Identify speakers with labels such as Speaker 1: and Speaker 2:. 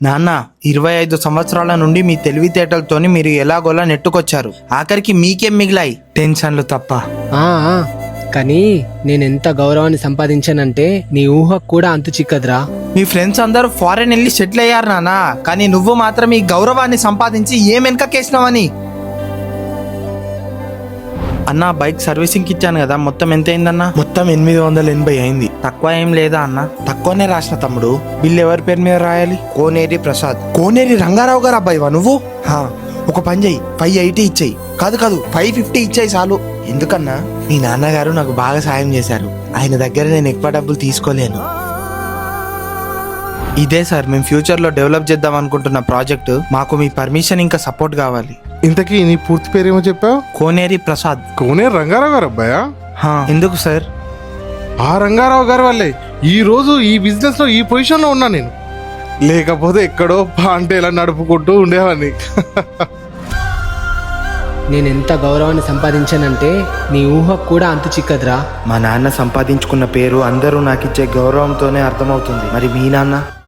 Speaker 1: నాన్న 25 సంవత్సరాల నుండి మీ తెలివితేటలతోని మీరు ఎలాగోలా నెట్టుకొచ్చారు. ఆఖరికి మీకేం మిగిలాయి? టెన్షన్లు తప్ప.
Speaker 2: ఆ ఆ, కానీ నేనెంత గౌరవాన్ని సంపాదించానంటే నీ ఊహకు కూడా అంతు చిక్కదురా.
Speaker 1: మీ ఫ్రెండ్స్ అందరూ ఫారెన్ వెళ్ళి సెటిల్ అయ్యారు నాన్న, కానీ నువ్వు మాత్రం ఈ గౌరవాన్ని సంపాదించి ఏం వెనకకేసినావని. అన్న బైక్ సర్వీసింగ్ ఇచ్చాను కదా, మొత్తం ఎంత అయిందన్న?
Speaker 3: మొత్తం 880 అయింది.
Speaker 1: తక్కువ ఏం లేదా అన్న?
Speaker 3: తక్కువనే రాసిన తమ్ముడు. బిల్ ఎవరి పేరు మీద రాయాలి?
Speaker 1: కోనేరి ప్రసాద్.
Speaker 3: కోనేరి రంగారావు గారు అబ్బాయివా నువ్వు? ఒక పని చెయ్యి, 580 ఇచ్చేయి. కాదు 550 ఇచ్చేయి చాలు.
Speaker 1: ఎందుకన్నా?
Speaker 3: మీ నాన్నగారు నాకు బాగా సాయం చేశారు. ఆయన దగ్గర నేను ఎక్కువ డబ్బులు తీసుకోలేను.
Speaker 1: ఇదే సార్ మేము ఫ్యూచర్లో డెవలప్ చేద్దాం అనుకుంటున్న ప్రాజెక్టు. మాకు మీ పర్మిషన్ ఇంకా సపోర్ట్ కావాలి.
Speaker 4: ఇంతకీ నీ పూర్తి పేరేమో చెప్పావు?
Speaker 1: కోనేరి ప్రసాద్.
Speaker 4: కోనేరు రంగారావు గారు అబ్బాయా?
Speaker 1: ఎందుకు సార్?
Speaker 4: ఆ రంగారావు గారి వల్లే ఈ రోజు ఈ బిజినెస్ లో ఈ పొజిషన్ లో ఉన్నా నేను. లేకపోతే ఎక్కడో పాంటేలా నడుపుకుంటూ ఉండేవాడిని.
Speaker 2: నేనెంత గౌరవాన్ని సంపాదించానంటే నీ ఊహకు కూడా అంతు చిక్కదురా.
Speaker 1: మా నాన్న సంపాదించుకున్న పేరు అందరూ నాకు ఇచ్చే గౌరవంతోనే అర్థమవుతుంది. మరి మీ నాన్న?